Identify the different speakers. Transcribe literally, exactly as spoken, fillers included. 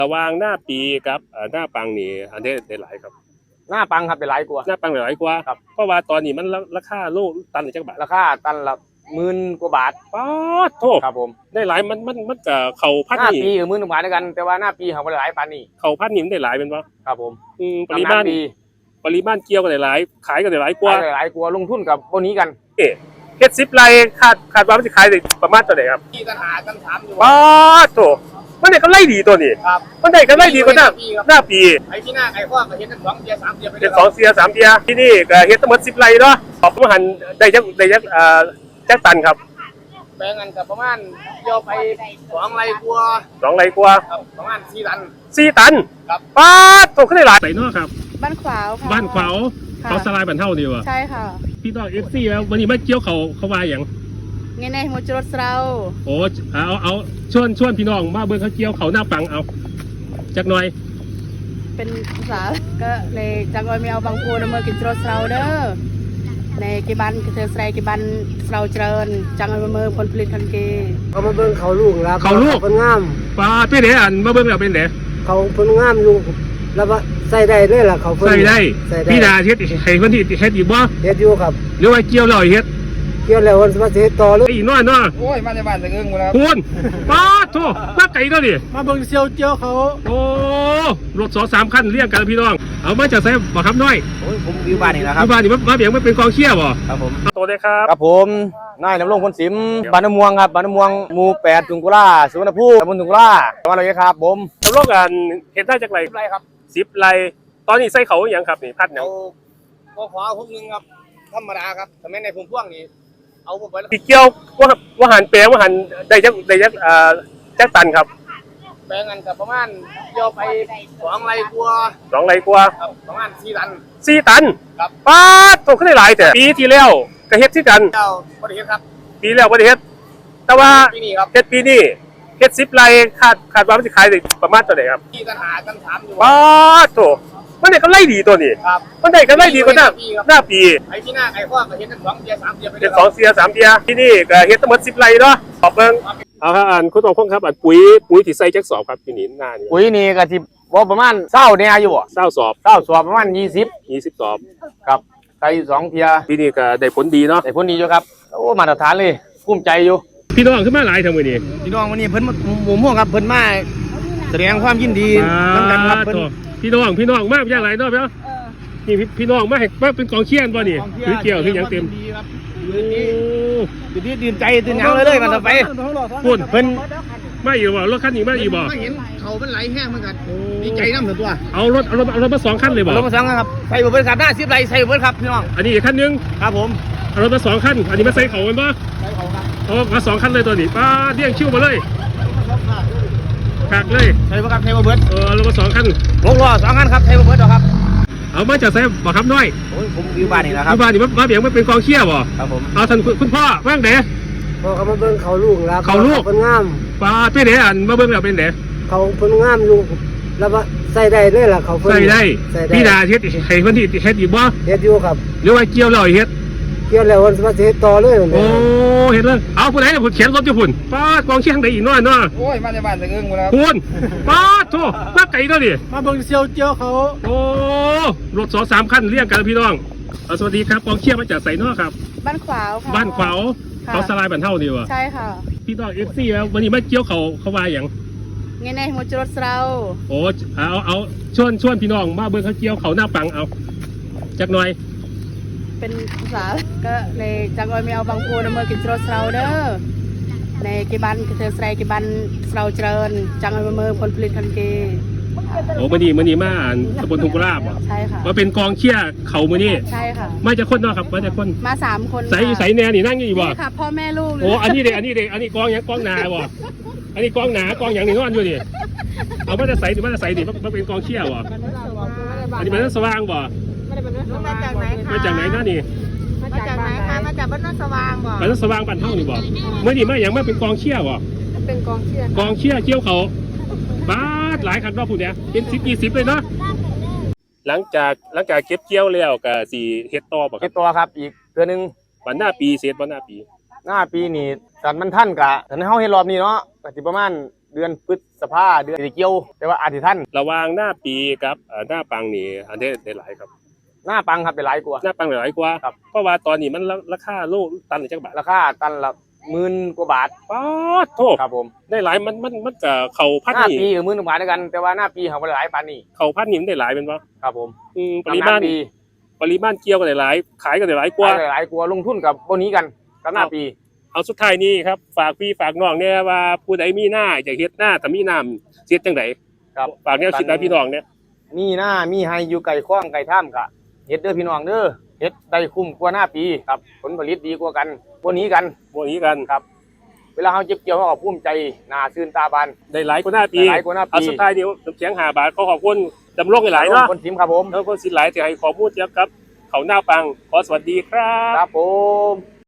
Speaker 1: ระหว่างหน้าปีกับหน้าปังนี่อันนี้ได้หลายครับ
Speaker 2: หน้าปังครับเป็นหลายกว่า
Speaker 1: หน้าปังหลายกว่า
Speaker 2: ครับ
Speaker 1: เพราะว่าตอนนี้มันราคาโลตันละจักบาท
Speaker 2: ราคาตันละหมื่นกว่าบาท
Speaker 1: ป๊าดโทษ
Speaker 2: ครับผม
Speaker 1: ได้หลายมันมันมันก็เข่าพัน
Speaker 2: หน้า
Speaker 1: นี่
Speaker 2: ปีกับหมื่นกว่าบาทด้วยกันแต่ว่าหน้าปีเขาไม่ได้หลายปานนี้
Speaker 1: เข่าพันนี่มันได้หลายเป็นปะ
Speaker 2: ครับผม
Speaker 1: อืมปริมาณปริมาณเกี่ยวกันได้หลายขายกันได้หลายกว่า
Speaker 2: หลายกว่าลงทุนกับพวกนี้กัน
Speaker 1: เอ๊ะเฮ็ดสิบไร่คาดคาดว่ามันจะขายได้ประมาณเท่าไหร่ครับ
Speaker 2: ที่ตันหาตันถามอยู่
Speaker 1: ป๊าดโทษมันได้กำไรดีตัวนี้มันได้กำไรดีกว่าหน้าหน้าปี
Speaker 2: ไอ้ที่หน้าไอ้ข้อก็เห็นทั้งสองเดียสามเดียไป
Speaker 1: เฮ็ดสองเสียสามเดียที่นี่ก็เฮ็ดทั้งหมดสิบไร่เนาะออกมาหันได้จักได้จักเอ่อจักตันครับ
Speaker 2: แปลงกันกับประมาณโยไปสองไรกลัว
Speaker 1: สองไรกลัว
Speaker 2: ประมาณสี่ตัน
Speaker 1: สี่ตัน
Speaker 2: ครับ
Speaker 1: ป๊าดโตขึ้นได้หลายใส่เนาะครับ
Speaker 3: บ้านขวาวค่ะ
Speaker 1: บ้านขวาวเขาสลายบันเท่าดีวะ
Speaker 3: ใช่ค่ะ
Speaker 1: พี่น้องเอฟซีแล้ววันนี้มาเกี่ยวเขาเขาว่าอย่าง
Speaker 3: ไงในหัวจรดเรา
Speaker 1: โอ้เอาเอาชวนชวนพี่น้องมาเบิ่งเขาเกี่ยวเขาหน้าปังเอาจักหน่อย
Speaker 3: เป็นภาษาก็เลยจังเลยมีเอาบางปูนมากินจรดเราเด้อในกีบันกระเทยใส่กีบันเราเจริญจังเลยมือผลผลิตทันกี
Speaker 4: เขามาเบิ่งเขาลูกแล้ว
Speaker 1: เขาลูก
Speaker 4: เป็นงาม
Speaker 1: ป้าเป็นไหนอันมาเบิ่งแล้วเป็นไหน
Speaker 4: เขาเป็นงามลูกแล้วว่าใส่ได้เลยล่ะเขา
Speaker 1: ใส่ได้พี่ดาเฮ็ดให้คนที่เฮ็ดอีกบ่
Speaker 4: เฮ็ดอยู่ครับ
Speaker 1: หรือว่าเกี่ยวแล้วเฮ็ด
Speaker 4: เกี่ยวแล้ววันมาเฮ็ดต่อเลย
Speaker 1: อีน้อยเนาะ
Speaker 2: โอ้ยมาในบ้านตะเอิงหมดแล้ว
Speaker 1: คุณป้าโธ่มาไกลเนาะดิ
Speaker 4: มาเบิ่งเซียวเจียวเขา
Speaker 1: โอ้รถสองสามคันเรียงกันพี่น้องเอามาจากไสบ่ครับน้อย
Speaker 2: โอ้ยผมอยู่บ้านนี่นะครับ
Speaker 1: อยู่บ้านนี่มาเบียงมันเป็นกองเชียร์บ่
Speaker 2: ครับผม
Speaker 1: ตัวเลยครับ
Speaker 2: ครับผมนายนำรงพลสิมบ้านน้ำม่วงครับบ้านน้ำม่วงหมู่แปดถุงกุล่าสุวรรณภูมิตำบลถุงกุล่าจังหวัดอะไรครับผม
Speaker 1: นำรงกันเห็นได้จากไร
Speaker 2: สิบไรครับ
Speaker 1: สิบไรตอนนี้ใส่เขาอย่างครับนี่พัดอย่าง
Speaker 2: ก็ขอพวกนึงครับธรรมดาครับแต่แม้ในพุ่มพวงนี่เอาไปแล้ว
Speaker 1: เกี่ยวว่าว่าหันแปลว่าหันได้จักได้จักเอ่อจักตันครับ
Speaker 2: แปลงกันกับประมาณโยไปสองไรกลัว
Speaker 1: สองไรกลัว
Speaker 2: ประมาณสี่ตัน
Speaker 1: สี่ตัน
Speaker 2: ครับ
Speaker 1: ป้าโตขึ้นได้หลายแต่ปีที่แล้วก็เฮ็ดที่กัน
Speaker 2: เจ้าบริเฮ็ดครับ
Speaker 1: ปีแล้วบริเฮ็ดแต่ว่า
Speaker 2: ปีนี้ครับ
Speaker 1: เฮ็ดปีนี้เฮ็ดสิบไรคาดคาดว่ามันจะขายได้ประมาณเท่าไหร่ครับ
Speaker 2: ที่ตันหาตันถามอยู่
Speaker 1: ป้าโตมันได้กำไรดีตัวนี้มันได้กำไรดีกว่าหน้าหน้าปี
Speaker 2: ไอ้ที่หน้าไอ้ข้อก็เห็นทั้งสองเดียสามเดียไป
Speaker 1: เฮ็ดสองเสียสามเดียที่นี่ก็เฮ็ดทั้งหมดสิบไรเนาะขอบเบิ่งเอาครับอ่านคุณต้องคงครับอันปุ๋ยปุ๋ยที่ใส่จักสอบครับที่นี่หน้านี่
Speaker 2: ปุ๋ยนี่ก็ที่ว่าประมาณเศร้าเนี่ยอยู่
Speaker 1: เศร้าสอบ
Speaker 2: เศร้าสอบประมาณยี่สิบ
Speaker 1: ยี่สิบสอบ
Speaker 2: ครับใส่สองเทีย
Speaker 1: ที่นี่ก็ได้ผลดีเนาะ
Speaker 2: ได้ผลดีอยู่ครับโอ้มาตรฐานเลยภูมิใจอยู่
Speaker 1: พี่น้องขึ้นมาหลายทางมื้อนี้
Speaker 2: พี่น้องวันนี้เพิ่นหมู่ม่วงครับเพิ่นมาแสดงความยินดีเหมือนกันครับเพิ่น
Speaker 1: พี่น้องพี่น้องมากอย่างไรเนาะเนาะนี่พี่น้องมาให้มาเป็นกองเชียร์บ่นี่คือเกี่ยวคือหยังเต็ม
Speaker 2: โอ้ดีดีใจตื่นยังเลยเลยมันไป
Speaker 1: พุ่นเพิ่นมาอยู่บ่รถคันนี้มาอยู่บ่
Speaker 2: เห็นเขาเป็นไหลแห้งเหมือนกันดีใจน้ำถึงตัว
Speaker 1: เอารถเอารถเอารถมาสองคันเลยบ่
Speaker 2: รถมาสองคันครับใส่เบิร์ดครับหน้าซิปไหลใส่เบิร์ดครับพี่น้อง
Speaker 1: อันนี้อีกคันนึง
Speaker 2: ครับผม
Speaker 1: เอารถมาสองคันอันนี้มาใส่เขากันบ่
Speaker 2: ใส่เขาครับ
Speaker 1: เอามาสองคันเลยตัวนี้ป้าเดี่ยงชิวมาเลยหักเลย
Speaker 2: ใส่เบิร์ดครับใส่เบิร์ด
Speaker 1: เออรถมาสองคัน
Speaker 2: ลงล้อสองคันครับใส่เบิร์ดครับ
Speaker 1: เอามาจากไสบ่ครับน้อย
Speaker 2: โอ้ยผมอยู่บ้านนี่นะครับ
Speaker 1: อยู่บ้านนี่มาเบียงมาเป็นกองเชียร์บ่
Speaker 2: ครับผม
Speaker 1: เอาท่านคุณพ่อว่างไหน
Speaker 4: พอเขามาเบิ่งเขาลูกแล้ว
Speaker 1: เขาลูก
Speaker 4: เป็นงาม
Speaker 1: ป้าเป็นไหนอันมาเบิ่งแล้วเป็นไหน
Speaker 4: เขาเป็นงามลูกแล้วว่าใส่ได้เลยล่ะเขา
Speaker 1: ใส่ได้พี่ดาเฮ็ดให้คนที่เฮ็ดอีกบ่
Speaker 4: เฮ็ดอยู่ครับ
Speaker 1: หรือว่าเกี่ยวแล้วเฮ็ด
Speaker 4: เกี่ยวแล้ววันมาเฮ็ดต่อเลย
Speaker 1: โอ้เฮ็ดเลยเอาผู้ใดน่ะผู้เขียนรถอยู่พุ่นป้ากองเชียร์ทางใดอีกน้อยเนาะ
Speaker 2: โอ้ยมาในบ้านตะเอิงหมดแล้ว
Speaker 1: คุณป้าโธ่มาไกลเนาะดิ
Speaker 4: มาเบิ่งเซียวเจียวเขา
Speaker 1: โอ้รถสองสามคันเรียงกันพี่น้องสวัสดีครับกองเชียร์มาจากไสเนาะครับ
Speaker 3: บ้านขวาวค่ะ
Speaker 1: บ้านขวาวเขาสลายบันเท่าดีวะ
Speaker 3: ใช่ค่ะ
Speaker 1: พี่น้องเอฟซีแล้ววันนี้มาเกี่ยวเขาเขาว่าอย่าง
Speaker 3: ไงในหัวจรดเรา
Speaker 1: โอ้เอาเอาชวนชวนพี่น้องมาเบิ่งเขาเกี่ยวเขาหน้าปังเอาจักหน่อย
Speaker 3: เป็นภาษาก็เลยจังเลยมีเอาบางปูนมากินจรดเราเด้อในกีบันกระเทยใส่กีบันเราเจริญจังเลยมือผลผลิตทันกี
Speaker 1: โอ้มื่อนี้มื่อนี้มาตำบลทุ่งกุลาบ
Speaker 3: ใช่ค่ะ
Speaker 1: มาเป็นกองเชียร์เขามื่อนี้
Speaker 3: ใช่ค่ะ
Speaker 1: มาจากคนเนาะครับมาจากคน
Speaker 3: มาสามคน
Speaker 1: ใส่ใส่แน่นี่นั่งอยู่บ่
Speaker 3: ค่ะพ่อแม่ลูก
Speaker 1: โอ้อันนี้เด็กอันนี้เด็กอันนี้กองยังกองหนาบ่อันนี้กองหนากองอย่างนี้นอนอยู่นี่เอามาจะใส่หรือมาจะใส่ดิมาเป็นกองเชียร์บ่อันนี้มันสว่างบ่
Speaker 3: มาจากไหนคะ
Speaker 1: มาจากไหนนั่นนี่
Speaker 3: มาจากไหนคะมาจากบ้านนสว่างบ่
Speaker 1: บ้านนสว่างบ้านเท่านี่บ่เมื่อนี้มาอย่างมาเป็นกองเชียร์บ่
Speaker 3: เป็นกองเชียร์
Speaker 1: กองเชียร์เกี่ยวเขาบ้าหลายคันรอบผู้เนี้ยเป็นสิบยี่สิบเลยเนาะหลังจากหลังจากเก็บเกี่ยวแล้วก็สี่เฮ็ดต่อบ่ครับ
Speaker 2: เฮ็ดต่อครับอีกเดือนนึง
Speaker 1: วันหน้าปีเสร็จวันหน้าปี
Speaker 2: หน้าปีนี่สันมันท่านกะสันเฮาเฮ็ดรอบนี้เนาะก็สิประมาณเดือนพฤษภาเดือนสิเกี่ยวแต่ว่าอาทิท่าน
Speaker 1: ระหว่างหน้าปีกับเอ่อหน้าปังนี่อันนี้ได้หลายครับ
Speaker 2: หน้าปังครับเป็นหลายกว่า
Speaker 1: หน้าปังได้หลายกว่า
Speaker 2: ครับ
Speaker 1: เพราะว่าตอนนี้มันราคาโลตันละจักบาท
Speaker 2: ราคาตันละหมื่นกว่าบาท
Speaker 1: ป๊าดโทษ
Speaker 2: ครับผม
Speaker 1: ได้หลายมันมันมันก็เข้าพัน
Speaker 2: หน้า
Speaker 1: นี่
Speaker 2: ปีกับหมื่นกว่าบาทด้วยกัน แต่ว่าหน้าปีเขาบ่ได้หลายปานนี้
Speaker 1: เข้าพันนี่มันได้หลายเป็นบ่
Speaker 2: ครับผม
Speaker 1: อืมปริมาณ
Speaker 2: หน้ปี
Speaker 1: ปริมาณเกี่ยวก็ได้หลายขายก็ได้หลายกว่า
Speaker 2: ได้หลายกว่าลงทุนกับบ่นี้กันกับหน้าปี
Speaker 1: เอาสุดท้ายนี้ครับฝากพี่ฝากน้องเนี่ยว่าผู้ใดมีหน้าอยากเฮ็ดหน้าถ้ามีน้ำเฮ็ดจังได
Speaker 2: ครับ
Speaker 1: ฝากแนวคิดนะพี่น้องเนี่ย
Speaker 2: มีหน้ามีให้อยู่ไก่ข้องไก่ท่ามกะเฮ็ดเด้อพี่น้องเด้อเฮ็ดได้คุ้มกว่าหน้าปีครับผลผลิตดีกว่ากันบ่นี้กัน
Speaker 1: บ่นี้กัน
Speaker 2: ครับ เวลาเฮาเก็บเกี่ยวเฮาก็ภูมิใจหน้าซื่นตาบาน
Speaker 1: ได้หลายกว่าหน้าปี
Speaker 2: ได้หลายกว่าหน้าปี
Speaker 1: เอาสุดท้ายเดียวน้ำเสียงห้าบาทขอขอบคุณจำลองหลายๆเนาะ
Speaker 2: คนทิมครับผม
Speaker 1: แล้วก็สิหลายที่ให้ข้อมูลเกี่ยวกับเขาหน้าปังขอสวัสดีครับ
Speaker 2: ครับผม